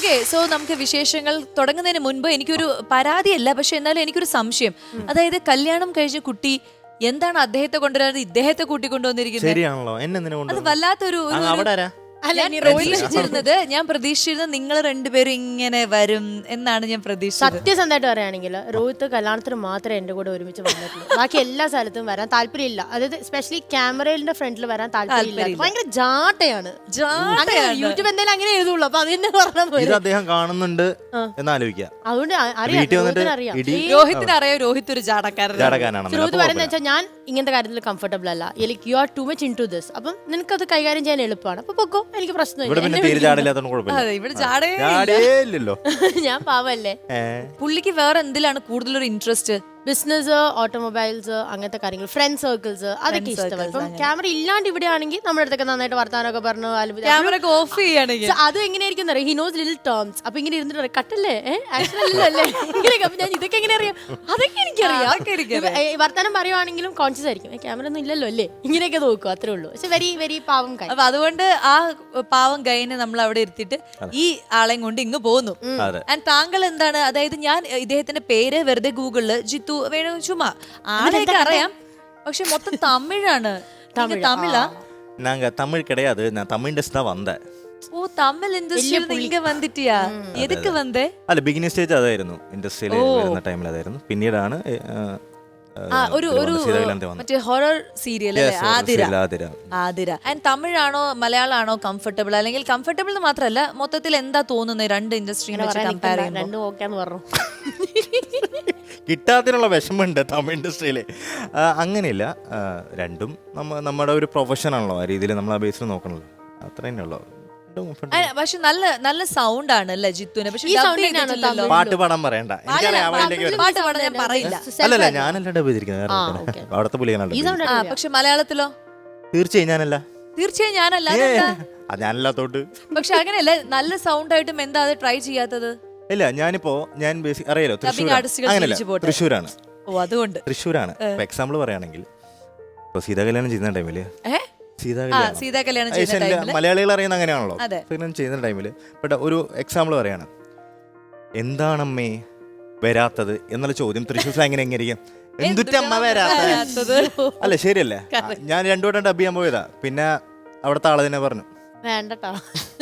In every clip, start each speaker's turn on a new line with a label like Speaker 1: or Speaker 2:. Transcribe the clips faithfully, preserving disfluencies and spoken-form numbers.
Speaker 1: Okay, so നമുക്ക് വിശേഷങ്ങൾ തുടങ്ങുന്നതിന് മുൻപ് എനിക്കൊരു പരാതിയല്ല, പക്ഷെ എന്നാലും എനിക്കൊരു സംശയം. അതായത് കല്യാണം കഴിച്ച കുട്ടി എന്താണ് അദ്ദേഹത്തെ കൊണ്ടുവരാതെ ഇദ്ദേഹത്തെ കൂട്ടിക്കൊണ്ടുവന്നിരിക്കുന്നത്?
Speaker 2: ശരിയാണല്ലോ, എന്നെ
Speaker 1: അത് വല്ലാത്തൊരു ഞാൻ പ്രതീക്ഷിച്ചിരുന്നത് ഞാൻ പ്രതീക്ഷിച്ചിരുന്നത് നിങ്ങൾ രണ്ടുപേരും ഇങ്ങനെ വരും എന്നാണ് ഞാൻ പ്രതീക്ഷിച്ചത്.
Speaker 3: സത്യസന്ധമായിട്ട് പറയുകയാണെങ്കിൽ രോഹിത് കല്യാണത്തിന് മാത്രമേ എന്റെ കൂടെ ഒരുമിച്ച് വന്നിട്ടുള്ളൂ. ബാക്കി എല്ലാ സ്ഥലത്തും വരാൻ താല്പര്യമില്ല. അതായത് സ്പെഷ്യലി ക്യാമറയുടെ ഫ്രണ്ടിൽ വരാൻ താല്പര്യമില്ല. ഭയങ്കര ജാട്ടയാണ്. യൂട്യൂബ് എന്തായാലും അങ്ങനെ എഴുതുള്ളൂ. അപ്പൊ അത് തന്നെ പറഞ്ഞാൽ
Speaker 2: അദ്ദേഹം കാണുന്നുണ്ട് എന്നാലോചിക്കാം.
Speaker 3: അതുകൊണ്ട് അറിയാം,
Speaker 1: രോഹിത്തിന് അറിയാം രോഹിത് ഒരു ജാടക്കാരനാണ്.
Speaker 3: രോഹിത് പറയുന്നത് വെച്ചാൽ ഞാൻ ഇങ്ങനത്തെ കാര്യത്തിൽ കംഫർട്ടബിൾ അല്ല, like you are too much into this. അപ്പം നിനക്കത് കൈകാര്യം ചെയ്യാൻ എളുപ്പമാണ്. അപ്പൊ പൊക്കോ, എനിക്ക് പ്രശ്നമില്ല. ഞാൻ പാവല്ലേ.
Speaker 1: പുള്ളിക്ക് വേറെ എന്തിലാണ് കൂടുതലൊരു ഇൻട്രസ്റ്റ്?
Speaker 3: ബിസിനസ്, ഓട്ടോമൊബൈൽസ്, അങ്ങനത്തെ കാര്യങ്ങൾ, ഫ്രണ്ട് സർക്കിൾസ്, അതൊക്കെ ഇഷ്ടമാണ്. ഇപ്പം ക്യാമറ ഇല്ലാണ്ട് ഇവിടെ ആണെങ്കിൽ നമ്മുടെ അടുത്തൊക്കെ നന്നായിട്ട് വർത്താനൊക്കെ പറഞ്ഞു
Speaker 1: ഓഫ് ചെയ്യുകയാണെങ്കിൽ
Speaker 3: അത് എങ്ങനെയായിരിക്കും അറിയാം. He knows little terms. അപ്പൊ ഇങ്ങനെ ഇരുന്നിട്ട് പറയും കട്ടല്ലേ ആക്ച്വലല്ലേ ഇങ്ങനെയൊക്കെ. അപ്പൊ ഞാൻ ഇതൊക്കെ എങ്ങനെ അറിയാം? അതൊക്കെ എനിക്കറിയാം. വർത്താനം പറയുവാണെങ്കിലും കോൺഷ്യസ് ആയിരിക്കും, ക്യാമറ ഒന്നും ഇല്ലല്ലോ അല്ലേ, ഇങ്ങനെയൊക്കെ നോക്കും, അത്രേ ഉള്ളൂ. പക്ഷെ വെരി വെരി പാവം കൈ.
Speaker 1: അപ്പൊ അതുകൊണ്ട് ആ പാവം ഗൈനെ നമ്മൾ അവിടെ എടുത്തിട്ട് ഈ ആളെയും കൊണ്ട് ഇങ്ങ് പോകുന്നു. ആൻഡ് താങ്കൾ എന്താണ്, അതായത് ഞാൻ ഇദ്ദേഹത്തിന്റെ പേര് വെറുതെ ഗൂഗിളില് ജിത്തു വേണു ചുമ്മാ ആളെയൊക്കെ അറിയാം, പക്ഷെ മൊത്തം തമിഴാണ്. തമിഴാ?
Speaker 2: நாங்க தமிழ் கிடையாது, நான் தமிழ் இண்டஸ்ட்ரி தான் வந்தேன்.
Speaker 1: ஓ, தமிழ் இண்டஸ்ட்ரியில இங்க வந்துட்டியா? எதுக்கு வந்தே?
Speaker 2: അല്ല, ബിഗിനിങ് സ്റ്റേജ് അതായിരുന്നു, ഇൻഡസ്ട്രിയിൽ വരുന്ന ടൈമിൽ അതായിരുന്നു. പിന്നീടാണ്
Speaker 1: ഒരു ഒരു മറ്റേ horror serial Athira. Athira. And തമിഴാണോ മലയാളമാണോ കംഫർട്ടബിൾ? അല്ലെങ്കിൽ കംഫർട്ടബിൾ എന്ന് മാത്രമല്ല, മൊത്തത്തിൽ എന്താ തോന്നുന്നത് രണ്ട് ഇൻഡസ്ട്രീനെ വെച്ച് കമ്പയർ ചെയ്യുമ്പോൾ?
Speaker 2: കിട്ടാത്തിനുള്ള വിഷമമുണ്ട് തമിഴ് ഇൻഡസ്ട്രിയിൽ. അങ്ങനെയില്ല, രണ്ടും നമ്മ നമ്മുടെ ഒരു പ്രൊഫഷനാണല്ലോ, ആ രീതിയിൽ നമ്മൾ ആ ബേസിൽ നോക്കണല്ലോ, അത്ര തന്നെയുള്ളൂ.
Speaker 1: പക്ഷെ നല്ല നല്ല സൗണ്ട് ആണ് അല്ലേ ജിത്തുവിന്? പക്ഷെ
Speaker 2: പാട്ട് പാടാൻ പറയണ്ട,
Speaker 1: പാട്ട് പാടാൻ ഞാൻ പറയില്ല.
Speaker 2: അല്ലല്ല, ഞാനല്ല ഡബ് ചെയ്തിരിക്കുന്നത്, അവിടുത്തെ പുള്ളിയാണ്.
Speaker 1: പക്ഷെ മലയാളത്തിലോ?
Speaker 2: തീർച്ചയായും ഞാനല്ല.
Speaker 1: തീർച്ചയായും ഞാനല്ല.
Speaker 2: ഞാനല്ലാത്തോട്ട്.
Speaker 1: പക്ഷെ അങ്ങനെയല്ല, നല്ല സൗണ്ട് ആയിട്ടും എന്താ അത് ട്രൈ ചെയ്യാത്തത്?
Speaker 2: ഇല്ല, ഞാനിപ്പോ ഞാൻ അറിയാലോ, അങ്ങനെയല്ല, തൃശ്ശൂരാണ്.
Speaker 1: ഓ, അതുകൊണ്ട്
Speaker 2: തൃശ്ശൂരാണ്. ഇപ്പൊ എക്സാമ്പിൾ പറയുകയാണെങ്കിൽ ഇപ്പൊ സീതാ കല്യാണം ചെയ്യുന്ന ടൈമില്
Speaker 1: സീതാ കല്യാണം
Speaker 2: മലയാളികൾ അറിയുന്ന അങ്ങനെയാണല്ലോ, ചെയ്യുന്ന ടൈമില്. ബട്ട് ഒരു എക്സാമ്പിൾ പറയാണ്, എന്താണമ്മേ വരാത്തത് എന്നുള്ള ചോദ്യം തൃശ്ശൂർ സ്ലാങ്ങിന് എങ്ങനെയിരിക്കും? എന്തുറ്റമ്മ വരാത്തത്? അല്ല, ശരിയല്ലേ? ഞാൻ രണ്ടു വട്ടം ഡബ് ചെയ്യാൻ പോയതാ, പിന്നെ അവിടുത്തെ ആള് തന്നെ പറഞ്ഞു
Speaker 3: വേണ്ടട്ടോ,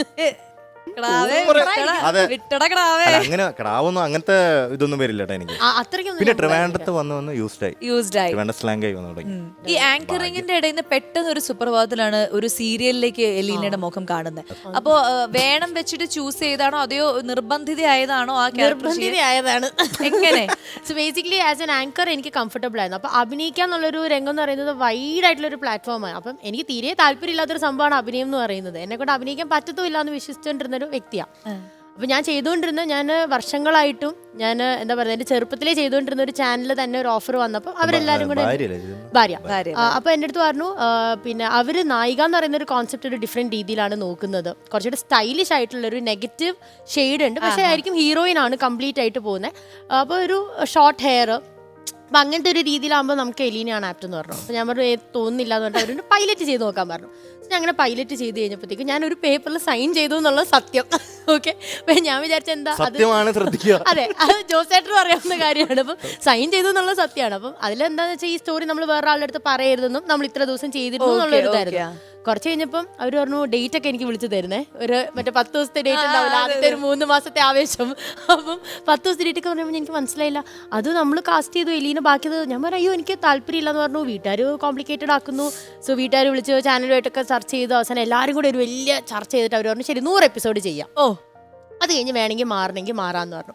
Speaker 2: അങ്ങനെ ക്രാവൊന്നും അങ്ങനത്തെ ഇതൊന്നും വരില്ല എനിക്ക്. പിന്നെ ട്രിവാൻഡ്രത്ത് വന്ന് വന്ന് യൂസ്ഡ് ആയി, സ്ലാങ് ആയി വന്നു തുടങ്ങി.
Speaker 1: ഈ ആങ്കറിംഗിന്റെ ഇടയിൽ നിന്ന് പെട്ടെന്ന് ഒരു സുപ്രഭാതത്തിലാണ് ഒരു സീരിയലിലേക്ക് എലീനയുടെ മുഖം കാണുന്നത്. അപ്പോ വേണം വെച്ചിട്ട് ചൂസ് ചെയ്താണോ അതെയോ നിർബന്ധിതയായതാണോ? ആ
Speaker 3: നിർബന്ധിതയായതാണ്.
Speaker 1: എങ്ങനെ?
Speaker 3: So basically as an anchor എനിക്ക് കംഫർട്ടബിൾ ആയിരുന്നു. അപ്പൊ അഭിനയിക്കാൻ എന്നുള്ളൊരു രംഗം എന്ന് പറയുന്നത് വൈഡ് ആയിട്ടുള്ള ഒരു പ്ലാറ്റ്ഫോമാണ്. അപ്പം എനിക്ക് തീരെ താല്പര്യമില്ലാത്തൊരു സംഭവമാണ് അഭിനയം എന്ന് പറയുന്നത്. എന്നെ കൊണ്ട് അഭിനയിക്കാൻ പറ്റത്തുമില്ല എന്ന് വിശ്വസിച്ചുകൊണ്ടിരുന്നൊരു വ്യക്തിയാണ്. അപ്പൊ ഞാൻ ചെയ്തുകൊണ്ടിരുന്ന ഞാൻ വർഷങ്ങളായിട്ടും ഞാൻ എന്താ പറയുക, എന്റെ ചെറുപ്പത്തിലേ ചെയ്തുകൊണ്ടിരുന്ന ഒരു ചാനലിൽ തന്നെ ഒരു ഓഫർ വന്നപ്പോൾ അവരെല്ലാരും കൂടെ ഭാര്യ അപ്പൊ എൻ്റെ അടുത്ത് പറഞ്ഞു, പിന്നെ അവര് നായിക എന്ന് പറയുന്ന ഒരു കോൺസെപ്റ്റ് ഒരു ഡിഫറെന്റ് രീതിയിലാണ് നോക്കുന്നത്. കുറച്ചുകൂടെ സ്റ്റൈലിഷ് ആയിട്ടുള്ള ഒരു നെഗറ്റീവ് ഷെയ്ഡ് ഉണ്ട്, പക്ഷെ ആയിരിക്കും ഹീറോയിൻ ആണ് കംപ്ലീറ്റ് ആയിട്ട് പോകുന്നത്. അപ്പോൾ ഒരു ഷോർട്ട് ഹെയർ, അപ്പം അങ്ങനത്തെ ഒരു രീതിയിലാകുമ്പോൾ നമുക്ക് എലീനയാണ് ആപ്റ്റ് എന്ന് പറഞ്ഞു. അപ്പോൾ ഞാൻ പറഞ്ഞു തോന്നുന്നില്ല എന്ന് പറഞ്ഞിട്ട് അവരോട് പൈലറ്റ് ചെയ്ത് നോക്കാൻ പറഞ്ഞു. ഞാൻ അങ്ങനെ പൈലറ്റ് ചെയ്ത് കഴിഞ്ഞപ്പോഴത്തേക്കും ഞാനൊരു പേപ്പറിൽ സൈൻ ചെയ്തു എന്നുള്ള സത്യം. ഓക്കെ, അപ്പം ഞാൻ വിചാരിച്ച എന്താ അത് അതെ അത് ജോസേട്ടനും അറിയാവുന്ന കാര്യമാണ്. അപ്പം സൈൻ ചെയ്തു എന്നുള്ള സത്യമാണ്. അപ്പം അതിലെന്താണെന്ന് വെച്ചാൽ ഈ സ്റ്റോറി നമ്മൾ വേറെ ആളുടെ അടുത്ത് പറയരുതെന്നും നമ്മൾ ഇത്ര ദിവസം ചെയ്തിരുന്നു എന്നുള്ളൊരു ഇതായിരുന്നു. കുറച്ച് കഴിഞ്ഞപ്പം അവർ പറഞ്ഞു ഡേറ്റ് ഒക്കെ എനിക്ക് വിളിച്ചു തരുന്നേ, ഒരു മറ്റേ പത്ത് ദിവസത്തെ ഡേറ്റ് ഉണ്ടാവില്ല, ആദ്യത്തെ ഒരു മൂന്ന് മാസത്തെ ആവേശം. അപ്പം പത്ത് ദിവസത്തെ ഡേറ്റ് ഒക്കെ പറയുമ്പോൾ എനിക്ക് മനസ്സിലായില്ല, അത് നമ്മൾ കാസ്റ്റ് ചെയ്തു എലീന ബാക്കിയത്. ഞാൻ പറഞ്ഞു അയ്യോ എനിക്ക് താല്പര്യമില്ല എന്ന് പറഞ്ഞു. വീട്ടുകാർ കോംപ്ലിക്കേറ്റഡ് ആക്കുന്നു. സോ വീട്ടുകാർ വിളിച്ച് ചാനലുമായിട്ടൊക്കെ ചർച്ച ചെയ്തു. അവസാനം എല്ലാവരും കൂടെ ഒരു വലിയ ചർച്ച ചെയ്തിട്ട് അവർ പറഞ്ഞു ശരി നൂറ് എപ്പിസോഡ് ചെയ്യാം. ഓ, അത് കഴിഞ്ഞ് വേണമെങ്കിൽ മാറണമെങ്കിൽ മാറാന്ന് പറഞ്ഞു.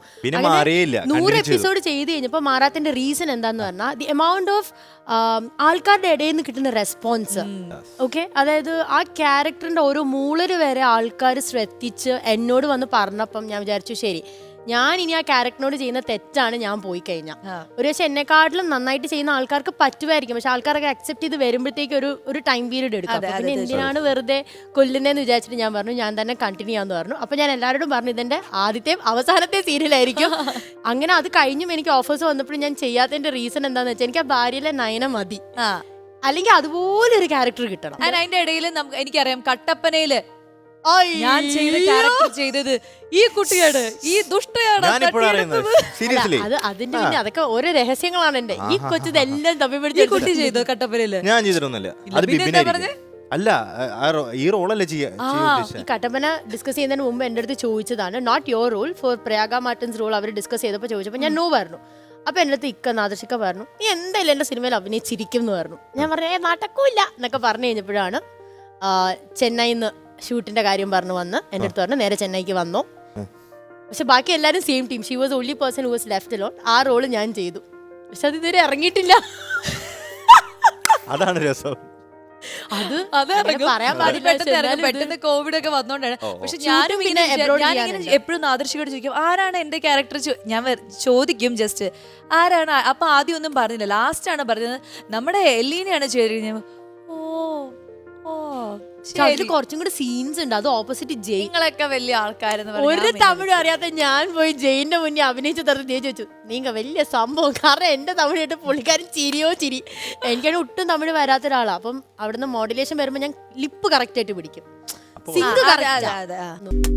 Speaker 3: നൂറ് എപ്പിസോഡ് ചെയ്ത് കഴിഞ്ഞപ്പോൾ മാറാത്തിന്റെ റീസൺ എന്താന്ന് പറഞ്ഞാൽ ദി എമൗണ്ട് ഓഫ് ആൾക്കാരുടെ ഇടയിൽ നിന്ന് കിട്ടുന്ന റെസ്പോൺസ്. ഓക്കെ, അതായത് ആ ക്യാരക്ടറിന്റെ ഓരോ മൂളര് വരെ ആൾക്കാർ ശ്രദ്ധിച്ച് എന്നോട് വന്ന് പറഞ്ഞപ്പം ഞാൻ വിചാരിച്ചു ശരി, ഞാൻ ഇനി ആ ക്യാരക്ടറിനോട് ചെയ്യുന്ന തെറ്റാണ് ഞാൻ പോയി കഴിഞ്ഞാൽ. ഒരു പക്ഷെ എന്നെക്കാട്ടിലും നന്നായിട്ട് ചെയ്യുന്ന ആൾക്കാർക്ക് പറ്റുമായിരിക്കും, പക്ഷെ ആൾക്കാരൊക്കെ അക്സെപ്റ്റ് ചെയ്ത് വരുമ്പോഴത്തേക്ക് ഒരു ഒരു ടൈം പീരീഡ് എടുക്കും. പിന്നെ എന്തിനാണ് വെറുതെ കൊല്ലുന്നതെന്ന് വിചാരിച്ചിട്ട് ഞാൻ പറഞ്ഞു ഞാൻ തന്നെ കണ്ടിന്യൂ ചെയ്യാന്ന് പറഞ്ഞു. അപ്പൊ ഞാൻ എല്ലാവരോടും പറഞ്ഞു ഇതെന്റെ ആദ്യത്തെ അവസാനത്തെ സീരിയലായിരിക്കും. അങ്ങനെ അത് കഴിഞ്ഞും എനിക്ക് ഓഫേഴ്സ് വന്നപ്പോഴും ഞാൻ ചെയ്യാത്തതിന്റെ റീസൺ എന്താന്ന് വെച്ചാൽ എനിക്ക് ആ ഭാര്യയിലെ നയന മതി, അല്ലെങ്കിൽ അതുപോലെ ഒരു ക്യാരക്ടർ കിട്ടണം.
Speaker 1: അതിന്റെ ഇടയിൽ എനിക്കറിയാം കട്ടപ്പനയില് ഞാൻ ചെയ്ത ക്യാരക്ടർ ചെയ്തത് ഈ കുട്ടിയാണ്, ഈ ദുഷ്ടയാണ്
Speaker 2: ഞാനിപ്പോഴാണ് അറിയുന്നത് സീരിയസ്ലി.
Speaker 3: അത് അതിന്റെ പിന്നെ അതൊക്കെ ഓരോ രഹസ്യങ്ങളാണ് എന്റെ. ഈ കൊച്ചതെല്ലാം തപ്പി
Speaker 1: ഈ
Speaker 3: പിടിച്ച്
Speaker 1: കുട്ടി ചെയ്തോ കട്ടപ്പനയില്?
Speaker 2: ഞാൻ ചെയ്തിട്ടൊന്നുമില്ല, അത്
Speaker 1: പിന്നെ എന്താ പറഞ്ഞേ?
Speaker 2: ബിബിനായിരിക്കും. അല്ല ആ റോ- ഈ റോളല്ലേ ചെയ്യാ
Speaker 3: ഈ കട്ടപ്പന ഡിസ്കസ് ചെയ്യുന്നതിന് മുമ്പ് എൻ്റെ അടുത്ത് ചോദിച്ചതാണ്, not your role for Prayaga Martin's role അവർ ഡിസ്കസ് ചെയ്തപ്പോൾ ചോദിച്ചപ്പോൾ ഞാൻ നോ പറഞ്ഞു. അപ്പൊ എൻ്റെ അടുത്ത് ഇക്ക നാദർശിക്ക പറഞ്ഞു, നീ എന്തായാലും എൻ്റെ സിനിമയിൽ അഭിനയിച്ചിരിക്കും എന്ന് പറഞ്ഞു. ഞാൻ പറഞ്ഞു ഏ നടക്കൂല എന്നൊക്കെ പറഞ്ഞു കഴിഞ്ഞപ്പോഴാണ് ചെന്നൈയിൽ നിന്ന് ഷൂട്ടിന്റെ കാര്യം പറഞ്ഞു വന്ന് എൻ്റെ അടുത്ത് പറഞ്ഞു നേരെ ചെന്നൈക്ക് വന്നോ. പക്ഷെ ബാക്കി എല്ലാവരും same team, she was only person who was left alone. ആ റോള് ഞാൻ ചെയ്തു, പക്ഷെ അത് ഇതുവരെ ഇറങ്ങിയിട്ടില്ല.
Speaker 2: അതാണ് രസം.
Speaker 3: അത്
Speaker 1: അത് ഇറങ്ങും.
Speaker 3: പറയാൻ
Speaker 1: അത്
Speaker 3: പാടില്ല.
Speaker 1: പെട്ടെന്ന് ഇറങ്ങും. പെട്ടെന്ന് കോവിഡ് ഒക്കെ വന്നോണ്ടാണ്. പക്ഷെ ഞാനും
Speaker 3: പിന്നെ
Speaker 1: ഇങ്ങനെ
Speaker 3: abroad
Speaker 1: ഞാനിങ്ങനെ
Speaker 3: ചെയ്യാനുണ്ട്.
Speaker 1: എപ്പോഴും ആദർശിയോട് ചോദിക്കും ആരാണ് എന്റെ ക്യാരക്ടർ, ഞാൻ വെ- ചോദിക്കും ജസ്റ്റ് ആരാണ്. അപ്പൊ ആദ്യം ഒന്നും പറഞ്ഞില്ല, ലാസ്റ്റ് ആണ് പറഞ്ഞത് നമ്മുടെ എല്ലീനെയാണ് ചെയ്തിരിക്കുന്നത്. ഓ ഓ
Speaker 3: അതിൽ കുറച്ചും കൂടി സീൻസ് ഉണ്ട്. അത് ഓപ്പോസിറ്റ് ജെയിൻ.
Speaker 1: നിങ്ങളൊക്കെ വലിയ ആൾക്കാരെന്ന്
Speaker 3: ഒരു തമിഴും അറിയാത്ത ഞാൻ പോയി ജയിന്റെ മുന്നേ അഭിനയിച്ച തരത്തിൽ ഞാൻ ചോദിച്ചു നീങ്ക വലിയ സംഭവം. കാരണം എന്റെ തമിഴ് കേട്ട് പുള്ളിക്കാരൻ ചിരിയോ ചിരി. എനിക്കാണ് ഒട്ടും തമിഴ് വരാത്ത ഒരാളാണ്. അപ്പം അവിടുന്ന് മോഡുലേഷൻ വരുമ്പോൾ ഞാൻ ലിപ്പ് കറക്റ്റ് ആയിട്ട് പിടിക്കും, സിങ്ക് കറക്റ്റ്.